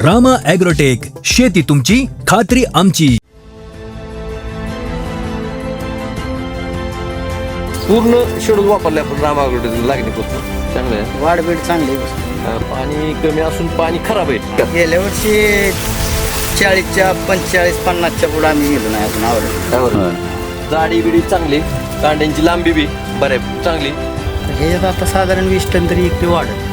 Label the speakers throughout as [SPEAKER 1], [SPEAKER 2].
[SPEAKER 1] Rama agrotech, शेती तुमची, खात्री आमची.
[SPEAKER 2] पूर्ण शेड्यूल वापरले आपण रामा ॲग्रोटेक लागणीपासून. चांगलं आहे.
[SPEAKER 3] वाढबीड चांगली आहे.
[SPEAKER 2] पाणी कमी असून पाणी खराब आहे.
[SPEAKER 3] गेल्या वर्षी 40च्या 45 50च्या पुढे आम्ही गेलो नाही अजून आवडत.
[SPEAKER 2] जाडी बिडी चांगली, कांड्यांची लांबी बी बऱ्या चांगली.
[SPEAKER 3] ह्याच्यात आता साधारण 20 टन तरी इकडे वाढत.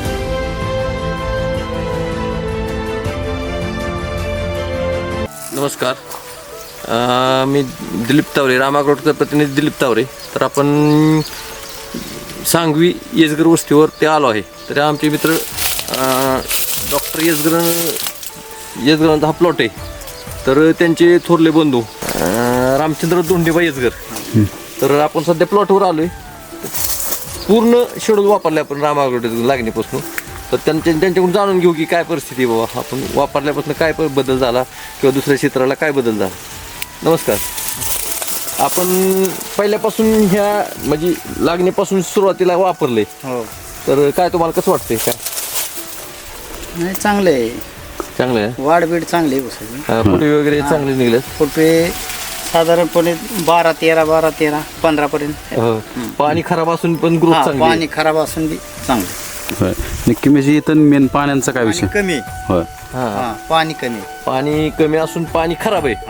[SPEAKER 2] नमस्कार, मी दिलीप तावरे, रामा ॲग्रोटेकचा प्रतिनिधी दिलीप तावरे. तर आपण सांगवी येसगर वस्तीवर ते आलो आहे. तर आमचे मित्र डॉक्टर येसगरांचा हा प्लॉट आहे. तर त्यांचे थोरले बंधू रामचंद्र दोंडेबा येसगर. तर आपण सध्या प्लॉटवर आलो आहे. पूर्ण शेड्यूल वापरले आपण रामा ॲग्रोटेक लागणीपासून. तर त्यांच्याकडून जाणून घेऊ की काय परिस्थिती आहे बाबा, आपण वापरल्यापासून काय बदल झाला किंवा दुसऱ्या क्षेत्राला काय बदल झाला. नमस्कार. आपण पहिल्यापासून ह्या म्हणजे लागणीपासून सुरुवातीला वापरले,
[SPEAKER 3] हो.
[SPEAKER 2] तर काय तुम्हाला कसं वाटतंय? काय
[SPEAKER 3] नाही, चांगलं आहे.
[SPEAKER 2] चांगलं आहे.
[SPEAKER 3] वाढबीड चांगली आहे सगळी.
[SPEAKER 2] फुटे वगैरे चांगले निघले.
[SPEAKER 3] फुटवे साधारणपणे 12-13 15 पर्यंत.
[SPEAKER 2] पाणी खराब असून पण ग्रोथ चांगली.
[SPEAKER 3] पाणी खराब असून बी चांगलं.
[SPEAKER 4] होय, नक्की. म्हणजे इथं मेन पाण्याचा काय विषय?
[SPEAKER 3] कमी.
[SPEAKER 4] होय,
[SPEAKER 3] पाणी कमी.
[SPEAKER 2] पाणी कमी असून पाणी खराब आहे.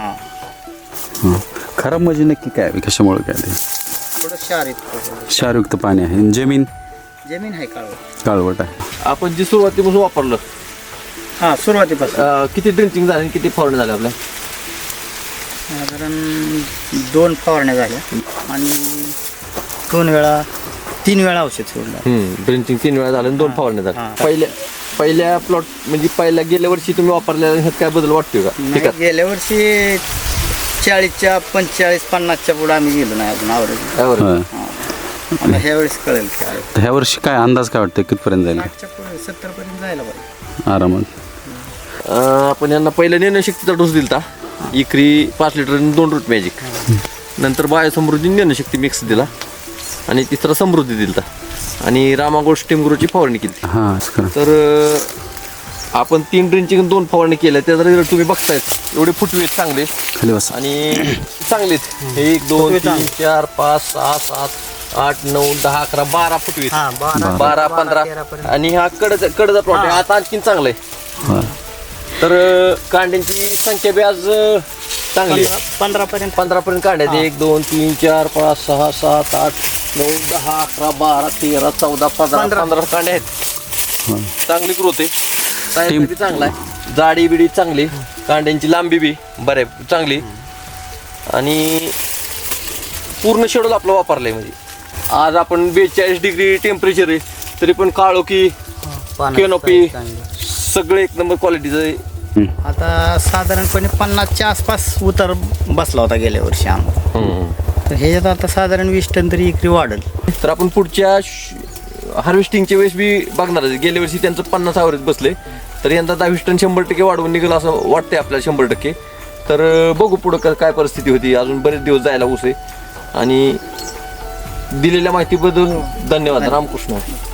[SPEAKER 4] खराब म्हणजे नक्की काय, कशामुळे काय? ते
[SPEAKER 3] थोडं
[SPEAKER 4] क्षारयुक्त पाणी आहे. जमीन
[SPEAKER 3] आहे
[SPEAKER 4] काळवट आहे.
[SPEAKER 2] आपण जी सुरुवातीपासून वापरलं,
[SPEAKER 3] सुरुवातीपासून
[SPEAKER 2] किती ड्रिंचिंग झाले, किती फवारणी झाल्या आपल्या?
[SPEAKER 3] साधारण 2 फवारण्या झाल्या आणि 3 वेळा औषध सोडलं.
[SPEAKER 2] ड्रिंचिंग 3 वेळा झालं आणि 2 फवारण्या झाल्या. पहिल्या प्लॉट म्हणजे पहिल्या गेल्या वर्षी तुम्ही वापरलेल्या ह्यात काय बदल वाटतोय का?
[SPEAKER 3] गेल्या वर्षी 40च्या 45 50च्या पुढे आम्ही गेलो नाही अजून आवडत. आता ह्या वेळेस कळेल काय.
[SPEAKER 4] तर ह्या वर्षी काय अंदाज काय वाटतं, कितपर्यंत जाईल?
[SPEAKER 3] 70 पर्यंत जायला पाहिजे
[SPEAKER 4] आरामात.
[SPEAKER 2] आपण यांना पहिल्या ज्ञानशक्तीचा डोस दिलता. इकरी 5 लिटर आणि 2 रूट मॅजिक. नंतर बायोसमृद्धी ज्ञानशक्ती मिक्स दिला आणि तिसरा समृद्धी दिलता आणि रामागोल्ड स्टीम ग्रोची फवारणी केली. तर आपण 3 ड्रिंचिंग 2 फवारणी केल्या. त्याचा रिझल्ट तुम्ही बघतायत. एवढे फुटवे चांगले आणि चांगलेच. 1 2 3 4 5 6 7 8 9 10 11 12 फुटवे. 12 15 आणि हा कडचा प्लॉट आहे. आता आणखीन चांगला आहे. तर कांड्यांची संख्या बी आज चांगली
[SPEAKER 3] 15 पर्यंत
[SPEAKER 2] कांड्या. 1 2 3 4 5 6 7 8 9 10 11 12 13 14 15 कांड्या आहेत. चांगली ग्रोथ आहे. साईज बी चांगला आहे. जाडी बिडी चांगली, कांड्यांची लांबी बी बऱ्या चांगली आणि पूर्ण शेड्यूल आपलं वापरलंय. म्हणजे आज आपण 42 डिग्री टेम्परेचर आहे तरी पण काळोखी, कॅनोपी सगळे एक नंबर क्वालिटीचं आहे.
[SPEAKER 3] आता साधारणपणे 50च्या आसपास उतार बसला होता गेल्या वर्षी आम्हाला. तर ह्याच्यात आता साधारण 20 टन तरी इकडे वाढेल.
[SPEAKER 2] तर आपण पुढच्या हार्वेस्टिंगच्या वेळेस बी बघणार आहे. गेल्या वर्षी त्यांचं 50 ॲव्हरेज बसले, तर यंदा 20 टन 100% वाढवून निघेल असं वाटतंय आपल्याला 100%. तर बघू पुढं काय परिस्थिती होती. अजून बरेच दिवस जायला ऊस आहे. आणि दिलेल्या माहितीबद्दल धन्यवाद. रामकृष्ण.